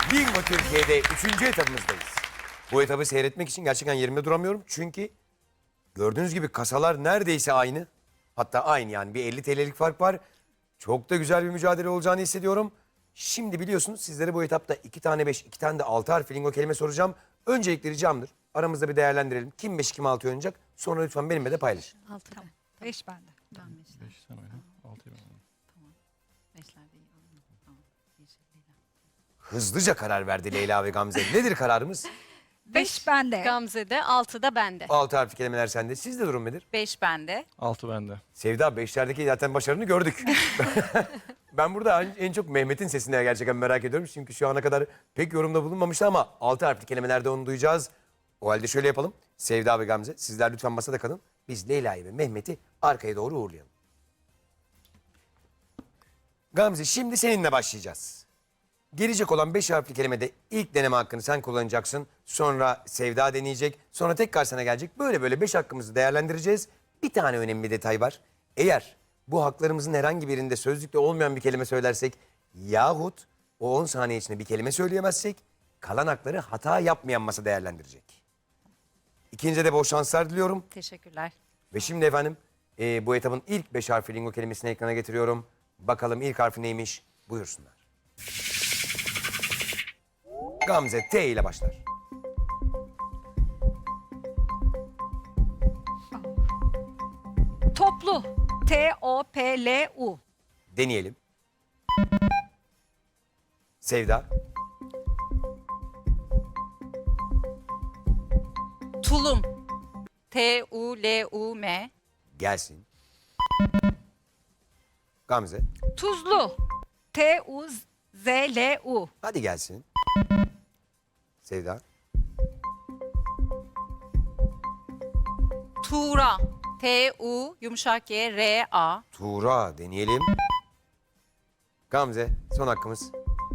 Bingo Türkiye'de 3. etapımızdayız. Bu etabı seyretmek için gerçekten yerimde duramıyorum. Çünkü gördüğünüz gibi kasalar neredeyse aynı. Hatta aynı yani bir 50 TL'lik fark var. Çok da güzel bir mücadele olacağını hissediyorum. Şimdi biliyorsunuz sizlere bu etapta 2 tane 5, 2 tane de 6 harfli lingo kelime soracağım. Öncelikle ricamdır. Aramızda bir değerlendirelim. Kim 5 kim 6 oynayacak? Sonra lütfen benimle de paylaşın. 6 tamam. 5 bende. Tamam 5'ler. 5 sen oyna, 6'yı ben oynayayım. Tamam. 5'ler de iyi. Tamam. Yeşil Leyla. Hızlıca karar verdi Leyla ve Gamze. Nedir kararımız? 5 bende. Gamze'de, 6 da bende. 6 harfli kelimeler sende. Sizde durum nedir? 5 bende. 6 bende. Sevda 5'lerdeki zaten başarını gördük. Ben burada en çok Mehmet'in sesini gerçekten merak ediyorum. Çünkü şu ana kadar pek yorumda bulunmamıştı ama 6 harfli kelimelerde onu duyacağız. O halde şöyle yapalım. Sevda ve Gamze sizler lütfen masada kalın. Biz Leyla'yı ve Mehmet'i arkaya doğru uğurlayalım. Gamze şimdi seninle başlayacağız. Gelecek olan 5 harfli kelimede ilk deneme hakkını sen kullanacaksın. Sonra Sevda deneyecek. Sonra tekrar sana gelecek. Böyle 5 hakkımızı değerlendireceğiz. Bir tane önemli detay var. Eğer bu haklarımızın herhangi birinde sözlükte olmayan bir kelime söylersek yahut o 10 saniye içinde bir kelime söyleyemezsek kalan hakları hata yapmayan masa değerlendirecek. İkinci de bol şanslar diliyorum. Teşekkürler. Ve şimdi efendim bu etabın ilk 5 harfli lingo kelimesini ekrana getiriyorum. Bakalım ilk harfi neymiş? Buyursunlar. Gamze T ile başlar. Toplu. T-O-P-L-U. Deneyelim. Sevda. Tulum. T-U-L-U-M. Gelsin. Gamze. Tuzlu. T-U-Z-L-U. Hadi gelsin. Sevda. Tuğra. T-U yumuşak G R-A. Tuğra deneyelim. Gamze son hakkımız.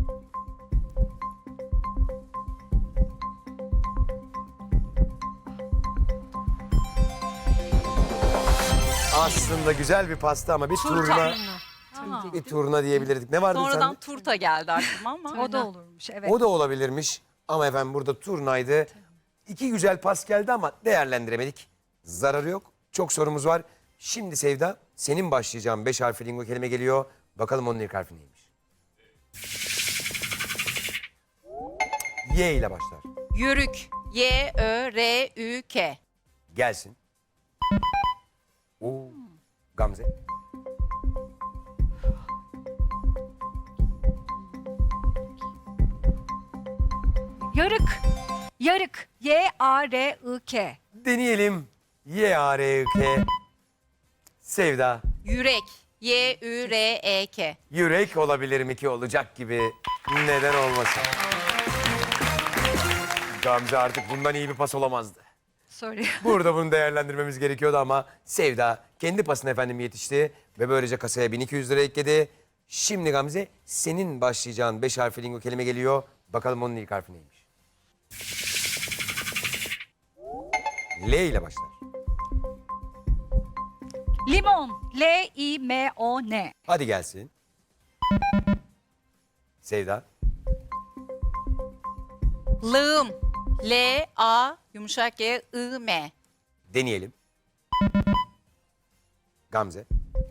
Aslında güzel bir pasta ama bir turna. Bir turna diyebilirdik. Ne vardı Sonradan sende? turta geldi aklıma ama. O da olurmuş evet. O da olabilirmiş. Ama efendim burada turnaydı. 2 güzel pas geldi ama değerlendiremedik. Zararı yok. Çok sorumuz var. Şimdi Sevda senin başlayacağın 5 harfli lingo kelime geliyor. Bakalım onun ilk harfi neymiş? Y ile başlar. Yörük. Y-Ö-R-Ü-K. Gelsin. Oo. Gamze. Yarık. Yarık. Y-A-R-I-K. Deneyelim. Y-A-R-I-K. Sevda. Yürek. Y-Ü-R-E-K. Yürek olabilir mi ki olacak gibi. Neden olmasın? Gamze artık bundan iyi bir pas olamazdı. Sorry. Burada bunu değerlendirmemiz gerekiyordu ama Sevda kendi pasına efendim yetişti ve böylece kasaya 1200 lira ekledi. Şimdi Gamze senin başlayacağın 5 harfli lingo kelime geliyor. Bakalım onun ilk harfi neymiş? L ile başlar. Limon. L-I-M-O-N. Hadi gelsin. Sevda. Lığım. L-A yumuşak G-I-M. Deneyelim. Gamze.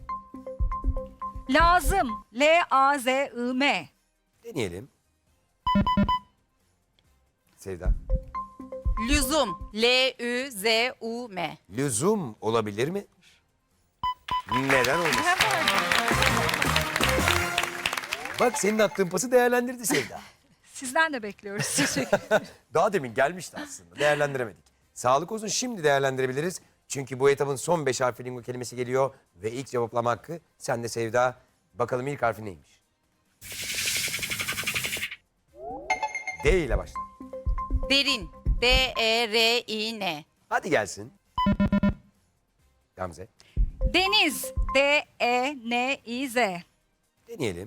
Lazım. L-A-Z-I-M. Deneyelim. Sevda. Lüzum. L-Ü-Z-U-M. Lüzum olabilir mi? Neden olmasın? Bak senin attığın pası değerlendirdi Sevda. Sizden de bekliyoruz. Teşekkür Daha demin gelmişti aslında. Değerlendiremedik. Sağlık olsun şimdi değerlendirebiliriz. Çünkü bu etabın son 5 harfli lingo kelimesi geliyor. Ve ilk cevaplama hakkı sende Sevda. Bakalım ilk harfi neymiş? D ile başlar. Derin. D-E-R-İ-N. Hadi gelsin. Gamze. Deniz. D-E-N-İ-Z. Deneyelim.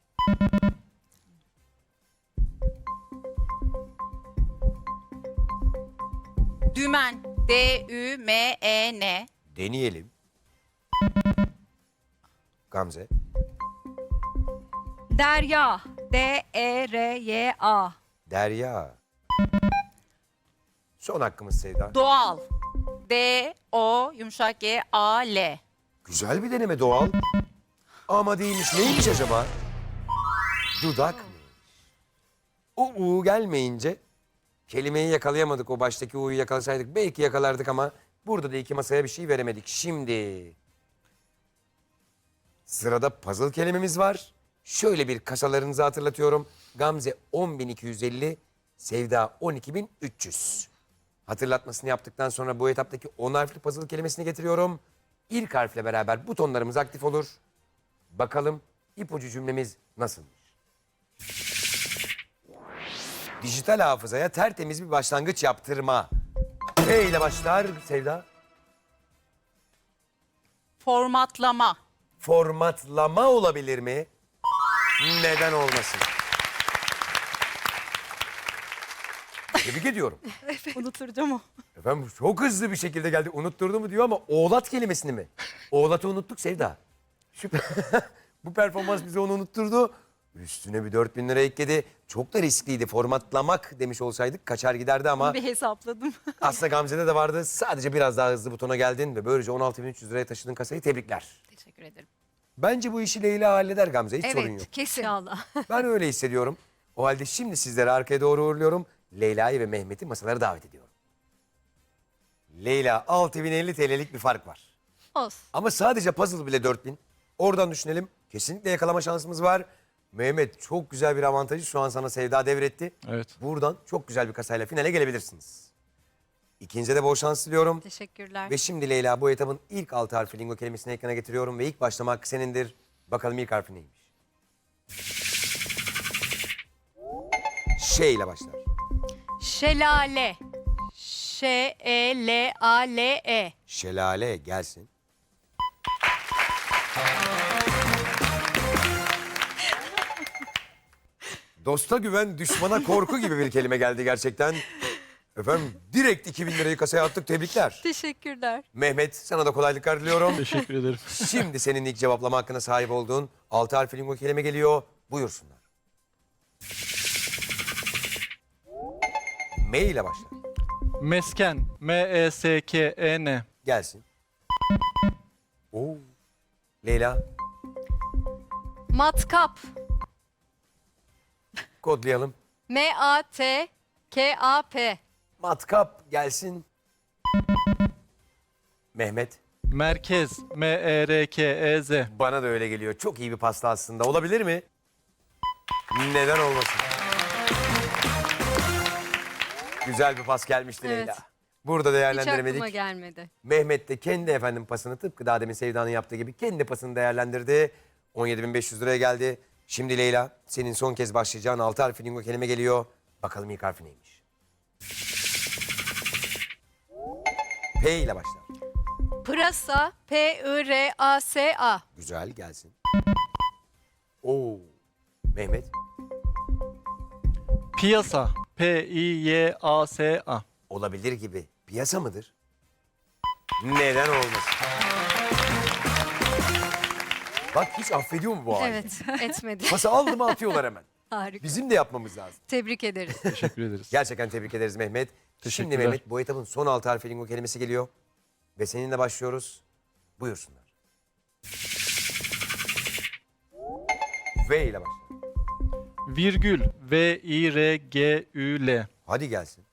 Dümen. D-Ü-M-E-N. Deneyelim. Gamze. Derya. D-E-R-Y-A. Derya. Son hakkımız Sevda. Doğal. D-O yumuşak G A-L. Güzel bir deneme doğal. Ama değilmiş. Neymiş acaba? Dudak mı? O U gelmeyince kelimeyi yakalayamadık. O baştaki U'yu yakalasaydık belki yakalardık ama burada da iki masaya bir şey veremedik. Şimdi sırada puzzle kelimemiz var. Şöyle bir kasalarınızı hatırlatıyorum. Gamze 10.250, Sevda 12.300. Hatırlatmasını yaptıktan sonra bu etaptaki 10 harfli puzzle kelimesini getiriyorum. İlk harfle beraber butonlarımız aktif olur. Bakalım ipucu cümlemiz nasılmış? Dijital hafızaya tertemiz bir başlangıç yaptırma. P ile başlar Sevda. Formatlama. Formatlama olabilir mi? Neden olmasın? Tebrik ediyorum. Unutturacağım o. Efendim çok hızlı bir şekilde geldi. Unutturdu mu diyor ama oğlat kelimesini mi? Oğlatı unuttuk Sevda. Bu performans bize onu unutturdu. Üstüne bir 4.000 lira ekledi. Çok da riskliydi. Formatlamak demiş olsaydık kaçar giderdi ama Bir hesapladım. aslında Gamze'de de vardı. Sadece biraz daha hızlı butona geldin ve böylece 16.300 liraya taşıdın kasayı. Tebrikler. Teşekkür ederim. Bence bu işi Leyla halleder Gamze. Hiç sorun yok. Evet, kesin. İnşallah. Ben öyle hissediyorum. O halde şimdi sizleri arkaya doğru uğurluyorum. Leyla'yı ve Mehmet'i masalara davet ediyorum. Leyla 6.050 TL'lik bir fark var. Olsun. Ama sadece puzzle bile 4.000. Oradan düşünelim. Kesinlikle yakalama şansımız var. Mehmet çok güzel bir avantajı şu an sana Sevda devretti. Evet. Buradan çok güzel bir kasayla finale gelebilirsiniz. İkinize de bol şans diliyorum. Teşekkürler. Ve şimdi Leyla bu etabın ilk 6 harfi lingo kelimesini ekrana getiriyorum ve ilk başlama hakkı senindir. Bakalım ilk harfi neymiş? Şey ile başlar. Şelale. Ş-E-L-A-L-E. Şelale gelsin. Dosta güven, düşmana korku gibi bir kelime geldi gerçekten. Efendim direkt 2.000 lirayı kasaya attık. Tebrikler. Teşekkürler. Mehmet sana da kolaylıklar diliyorum. Teşekkür ederim. Şimdi senin ilk cevaplama hakkına sahip olduğun 6 harfli lingo kelime geliyor. Buyursunlar. M ile başlar. Mesken. M-E-S-K-E-N. Gelsin. Oo. Leyla Matkap. kodlayalım. M-A-T-K-A-P. Matkap gelsin. Mehmet. Merkez. M-E-R-K-E-Z. Bana da öyle geliyor. Çok iyi bir pasta aslında. Olabilir mi? Neden olmasın? Güzel bir pas gelmişti Evet. Leyla. Burada Hiç aklıma değerlendiremedik. gelmedi. Mehmet de kendi efendim pasını tıpkı daha demin Sevda'nın yaptığı gibi kendi pasını değerlendirdi. 17.500 liraya geldi. Şimdi Leyla senin son kez başlayacağın 6 harfli lingo kelime geliyor. Bakalım ilk harfi neymiş? P ile başlar. Pırasa. P-I-R-A-S-A. Güzel gelsin. Oo. Mehmet. Piyasa. P-I-Y-A-S-A. Olabilir gibi. Piyasa mıdır? Neden olmasın? Bak hiç affediyor mu bu hali? Evet, etmedi. Pası aldı mı atıyorlar hemen. Harika. Bizim de yapmamız lazım. Tebrik ederiz. Teşekkür ederiz. Gerçekten tebrik ederiz Mehmet. Şimdi Teşekkürler. Mehmet bu etabın son 6 harfli lingo kelimesi geliyor. Ve seninle başlıyoruz. Buyursunlar. V ile başlar. Virgül. V-I-R-G-Ü-L. Hadi gelsin.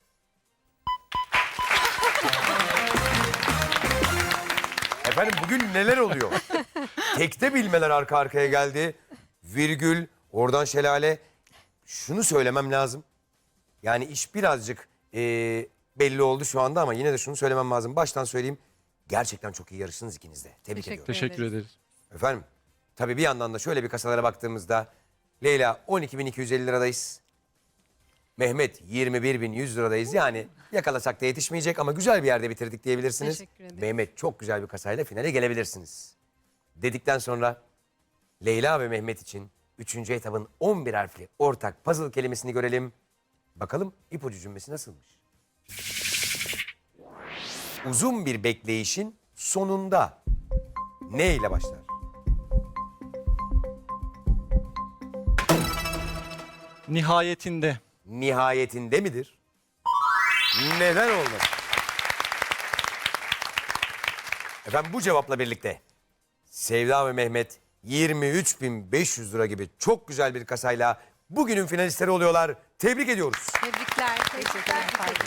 Efendim bugün neler oluyor? Tekte bilmeler arka arkaya geldi. Virgül, oradan şelale. Şunu söylemem lazım. Yani iş birazcık belli oldu şu anda ama yine de şunu söylemem lazım. Baştan söyleyeyim. Gerçekten çok iyi yarıştınız ikiniz de. Tebrik Teşekkür ediyorum. Teşekkür ederiz. Efendim tabii bir yandan da şöyle bir kasalara baktığımızda Leyla 12.250 liradayız. Mehmet 21.100 liradayız. Yani yakalasak da yetişmeyecek ama güzel bir yerde bitirdik diyebilirsiniz. Teşekkür ederim. Mehmet çok güzel bir kasayla finale gelebilirsiniz. Dedikten sonra Leyla ve Mehmet için 3. etabın 11 harfli ortak puzzle kelimesini görelim. Bakalım ipucu cümlesi nasılmış? Uzun bir bekleyişin sonunda ne ile başlar? Nihayetinde. nihayetinde midir? Neden olmasın? Efendim bu cevapla birlikte Sevda ve Mehmet 23.500 lira gibi çok güzel bir kasayla bugünün finalistleri oluyorlar. Tebrik ediyoruz. Tebrikler. Tebrikler.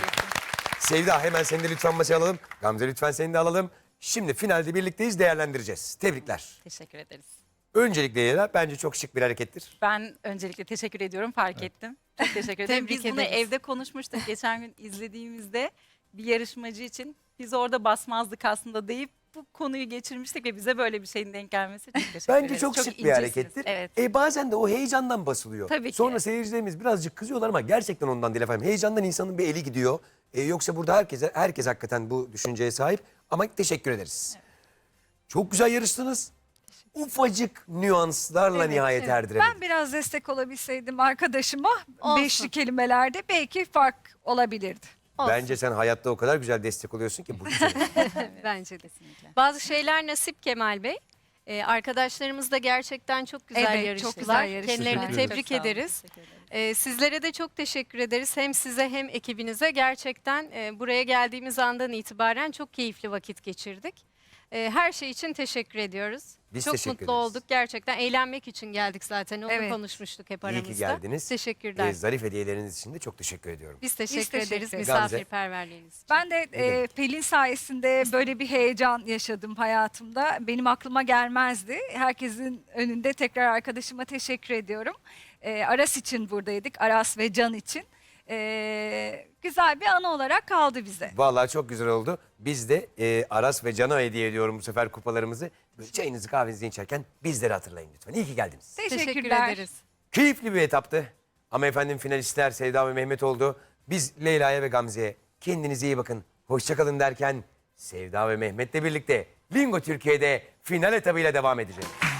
Sevda hemen seni de lütfen masaya alalım. Gamze lütfen seni de alalım. Şimdi finalde birlikteyiz, değerlendireceğiz. Tebrikler. Teşekkür ederiz. Öncelikle Leyla bence çok şık bir harekettir. Ben öncelikle teşekkür ediyorum, fark ettim. Çok teşekkür ederim. Tebrik Biz bunu ederiz. evde konuşmuştuk. Geçen gün izlediğimizde bir yarışmacı için biz orada basmazdık aslında deyip bu konuyu geçirmiştik ve bize böyle bir şeyin denk gelmesi çok teşekkür Bence ederiz. çok şık bir incesiniz. harekettir. Evet. Bazen de o heyecandan basılıyor. Tabii ki. Sonra seyircilerimiz birazcık kızıyorlar ama gerçekten ondan değil efendim. Heyecandan insanın bir eli gidiyor. Yoksa burada herkes hakikaten bu düşünceye sahip. Ama teşekkür ederiz. Çok güzel yarıştınız. Ufacık nüanslarla nihayet erdiremedik. Ben biraz destek olabilseydim arkadaşıma Olsun. beşli kelimelerde belki fark olabilirdi. Bence sen hayatta o kadar güzel destek oluyorsun ki bu güzel. Bence de. Kesinlikle. Bazı şeyler nasip Kemal Bey. Arkadaşlarımız da gerçekten çok güzel Evet, yarıştılar. çok güzel yarıştılar. Kendilerini Çok tebrik sağ olun, ederiz. teşekkür ederim. Sizlere de çok teşekkür ederiz. Hem size hem ekibinize gerçekten buraya geldiğimiz andan itibaren çok keyifli vakit geçirdik. Her şey için teşekkür ediyoruz. Biz çok teşekkür mutlu ederiz. olduk. Gerçekten eğlenmek için geldik zaten. Onu Evet. konuşmuştuk hep İyi aramızda. ki geldiniz. Teşekkürler. Zarif hediyeleriniz için de çok teşekkür ediyorum. Biz teşekkür teşekkür ederiz ederiz. misafirperverliğiniz için. Ben de Pelin sayesinde böyle bir heyecan yaşadım hayatımda. Benim aklıma gelmezdi. Herkesin önünde tekrar arkadaşıma teşekkür ediyorum. Aras için buradaydık. Aras ve Can için. Güzel bir anı olarak kaldı bize. Vallahi çok güzel oldu. Biz de Aras ve Can'a hediye ediyorum bu sefer kupalarımızı. Böyle çayınızı kahvenizi içerken bizleri hatırlayın lütfen. İyi ki geldiniz. Teşekkür Teşekkürler. ederiz. Keyifli bir etaptı. Ama efendim finalistler Sevda ve Mehmet oldu. Biz Leyla'ya ve Gamze'ye kendinize iyi bakın, hoşçakalın derken Sevda ve Mehmet'le birlikte Lingo Türkiye'de final etabıyla devam edeceğiz.